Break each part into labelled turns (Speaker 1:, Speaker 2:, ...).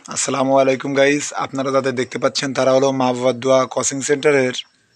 Speaker 1: আসসালামু আলাইকুম গাইস, আপনারা যাদের দেখতে পাচ্ছেন তারা হলো মা বাবার দোয়া কোচিং সেন্টারের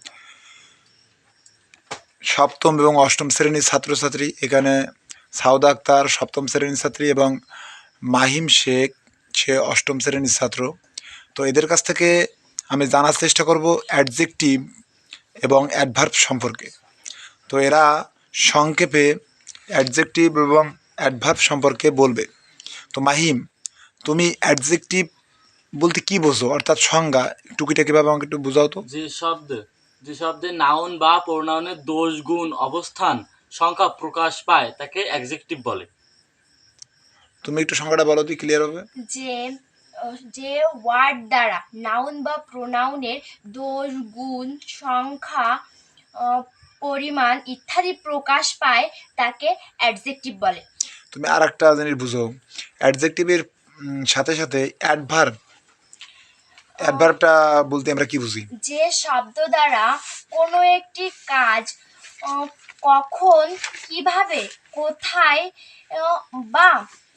Speaker 1: সপ্তম এবং অষ্টম শ্রেণীর ছাত্রছাত্রী। এখানে সাউদা আক্তার সপ্তম শ্রেণীর ছাত্রী এবং মাহিম শেখ সে অষ্টম শ্রেণীর ছাত্র। তো এদের কাছ থেকে আমি জানার চেষ্টা করব অ্যাডজেক্টিভ এবং অ্যাডভার্ব সম্পর্কে। তো এরা সংক্ষেপে অ্যাডজেক্টিভ এবং অ্যাডভার্ব সম্পর্কে বলবে। তো মাহিম, তুমি অ্যাডজেক্টিভ বলতে কি বোঝো, অর্থাৎ সংজ্ঞা টুকিটাকিভাবে আমাকে একটু বোঝাও তো।
Speaker 2: যে শব্দে নাউন বা প্রোনাউনের দোষ, গুণ, অবস্থান, সংখ্যা প্রকাশ পায় তাকে অ্যাডজেক্টিভ বলে।
Speaker 1: তুমি একটু সংজ্ঞাটা বলো তো ক্লিয়ার হবে।
Speaker 3: যে যে ওয়ার্ড দ্বারা নাউন বা প্রোনাউনের দোষ, গুণ, সংখ্যা, পরিমাণ ইত্যাদি প্রকাশ পায় তাকে অ্যাডজেক্টিভ বলে।
Speaker 1: তুমি আর একটা জিনিস বুঝো, অ্যাডজেক্টিভের সাথে সাথে অ্যাডভার্বটা বলতে আমরা কি বুঝি?
Speaker 3: যে শব্দ দ্বারা কোনো একটি কাজ কখন, কিভাবে, কোথায় বা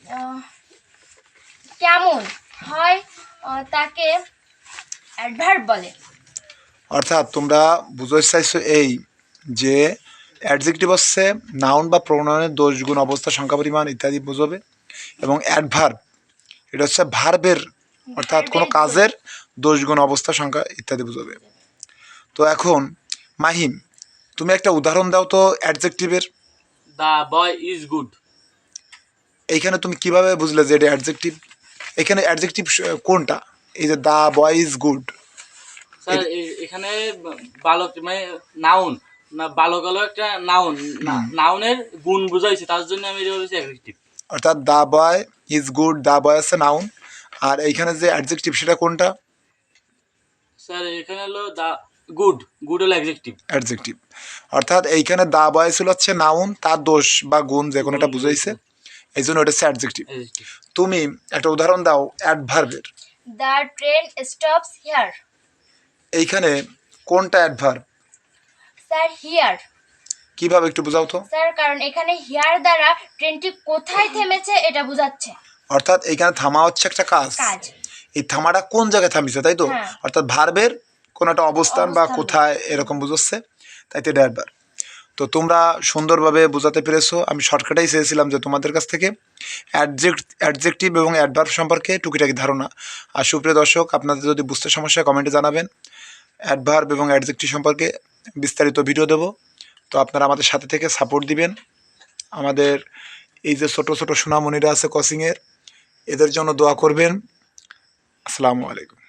Speaker 3: কেমন হয় তাকে অ্যাডভার্ব বলে।
Speaker 1: অর্থাৎ তোমরা বুঝতে চাইছো এই যে অ্যাডজেক্টিভ হচ্ছে নাউন বা প্রোনাউনের দোষ, গুণ, অবস্থা, সংখ্যা, পরিমাণ ইত্যাদি বুঝবে, এবং অ্যাডভার্ব এটা হচ্ছে ভার্বের, অর্থাৎ কোনো কাজের দোষ, গুণ, অবস্থা, সংখ্যা ইত্যাদি বুঝবে। তো এখন মাহিম, তুমি একটা উদাহরণ দাও তো অ্যাডজেক্টিভের।
Speaker 2: The boy is good.
Speaker 1: এইখানে তুমি কিভাবে বুঝলে যে এটা অ্যাডজেক্টিভ? এখানে অ্যাডজেক্টিভ কোনটা? এই যে the boy is good,
Speaker 2: sir এখানে বালক মানে নাউন না, বালক হলো একটা নাউন, নাউনের গুণ বুঝাইছে, তার জন্য আমি এটা বলেছি অ্যাডজেক্টিভ।
Speaker 1: অর্থাৎ the boy is good, the boy আছে নাউন, আর এইখানে যে অ্যাডজেক্টিভ সেটা কোনটা?
Speaker 2: স্যার এখানে হলো দ্য গুড, গুড হলো অ্যাডজেক্টিভ।
Speaker 1: অ্যাডজেক্টিভ। অর্থাৎ এইখানে দ্য বয় ছিল হচ্ছে নাউন, তার দোষ বা গুণ যে কোনো একটা বুঝাইছে, এই জন্য ওটা হচ্ছে অ্যাডজেক্টিভ। তুমি একটা উদাহরণ দাও অ্যাডভার্বের।
Speaker 3: The train stops here.
Speaker 1: এইখানে কোনটা অ্যাডভার্ব?
Speaker 3: Sir here.
Speaker 1: কিভাবে একটু বোঝাও তো।
Speaker 3: স্যার কারণ এখানে হিয়ার দ্বারা ট্রেনটি কোথায় থেমেছে এটা বোঝাচ্ছে।
Speaker 1: অর্থাৎ এইখানে থামা হচ্ছে একটা কাজ, এই থামাটা কোন জায়গায় থামিছে, তাই তো? অর্থাৎ ভার্বের কোন একটা অবস্থান বা কোথায় এরকম বুঝাচ্ছে, তাই তো এটা অ্যাডভার্ব। তো তোমরা সুন্দরভাবে বোঝাতে পেরেছো। আমি শর্টকাটেই চেয়েছিলাম যে তোমাদের কাছ থেকে অ্যাডজেক্টিভ এবং অ্যাডভার্ব সম্পর্কে টুকিটাকি ধারণা। আর সুপ্রিয় দর্শক, আপনাদের যদি বুঝতে সমস্যা কমেন্টে জানাবেন। অ্যাডভার্ব এবং অ্যাডজেক্টিভ সম্পর্কে বিস্তারিত ভিডিও দেব, তো আপনারা আমাদের সাথে থেকে সাপোর্ট দিবেন। আমাদের এই যে ছোট ছোট সোনামণিরা আছে কোচিংয়ের, এদের জন্য দোয়া করবেন। আসসালামু আলাইকুম।